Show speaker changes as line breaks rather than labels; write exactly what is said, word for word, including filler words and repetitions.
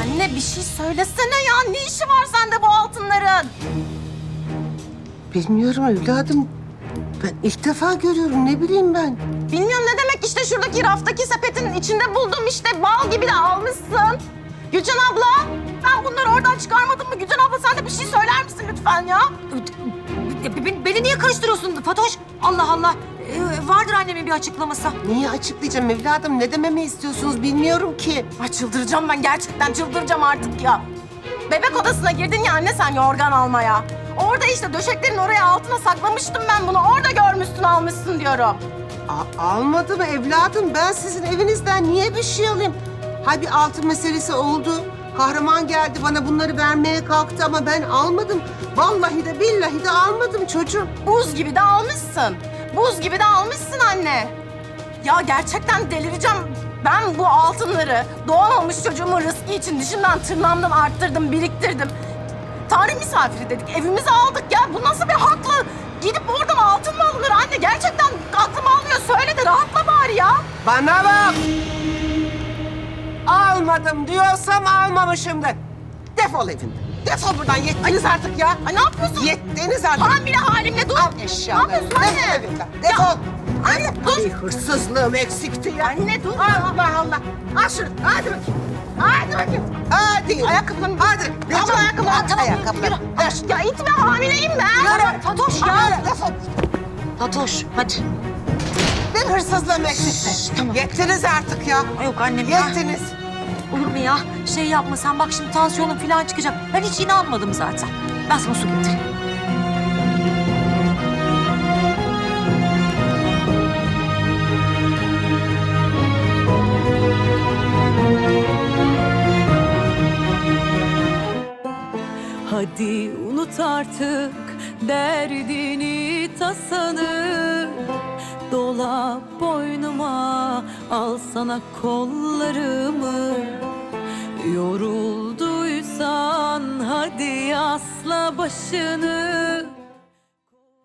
Anne bir şey söylesene ya. Ne işi var sende bu altınların?
Bilmiyorum evladım. Ben ilk defa görüyorum, ne bileyim ben.
Bilmiyorum ne demek, işte şuradaki raftaki sepetin içinde buldum işte. Bal gibi de almışsın. Gülcan abla, ben bunları oradan çıkarmadım mı? Gülcan abla sen de bir şey söyler misin lütfen ya?
Beni, beni niye karıştırıyorsun Fatoş? Allah Allah. Ee, vardır annemin bir açıklaması.
Niye açıklayacağım evladım? Ne dememi istiyorsunuz bilmiyorum ki.
Ay çıldıracağım ben, gerçekten çıldıracağım artık ya. Bebek odasına girdin ya anne sen yorgan almaya. Orada işte döşeklerin oraya altına saklamıştım ben bunu. Orada görmüşsün almışsın diyorum.
A- almadım evladım. Ben sizin evinizden niye bir şey alayım? Ha bir altın meselesi oldu. Kahraman geldi bana bunları vermeye kalktı ama ben almadım. Vallahi de billahi de almadım çocuğum.
Buz gibi de almışsın. Buz gibi de almışsın anne. Ya gerçekten delireceğim. Ben bu altınları doğmamış çocuğumun rızkı için dişimden tırnağımdan arttırdım, biriktirdim. Tanrı misafiri dedik, evimize aldık ya. Bu nasıl bir hakla? Gidip oradan altın mı alınır anne? Gerçekten aklım almıyor. Söyle de rahatla bari ya.
Bana bak! Almadım diyorsam almamışımdır. Defol evinden. Defol buradan, yettiniz artık ya.
Ay ne yapıyorsun?
Yettiniz artık.
Hamile halimle dur.
Al eşyaları.
Ne yapıyorsun anne?
Defol evinden. Defol.
Anne dur.
Bir hırsızlığım eksikti ya.
Anne dur.
Allah Allah. Al şunu. Hadi bakayım. Hadi bakayım. Hadi.
Ayakkabılarını...
Hadi.
Abla ayakkabılarını.
At ayakkabılarını. Ver.
Ya itme, hamileyim ben.
Yürü.
Fatoş ya.
Hadi, defol.
Fatoş hadi.
Bir hırsızlığım eksikti.
tamam.
Yettiniz artık ya.
Yok annem ya.
Yettiniz.
Olur mu ya? Şey yapma sen bak şimdi tansiyonun falan çıkacak. Ben hiç inanmadım zaten. Ben sana su getireyim.
Hadi unut artık derdini tasanı. Dola boynuma, al sana kollarımı. Yorulduysan hadi asla başını.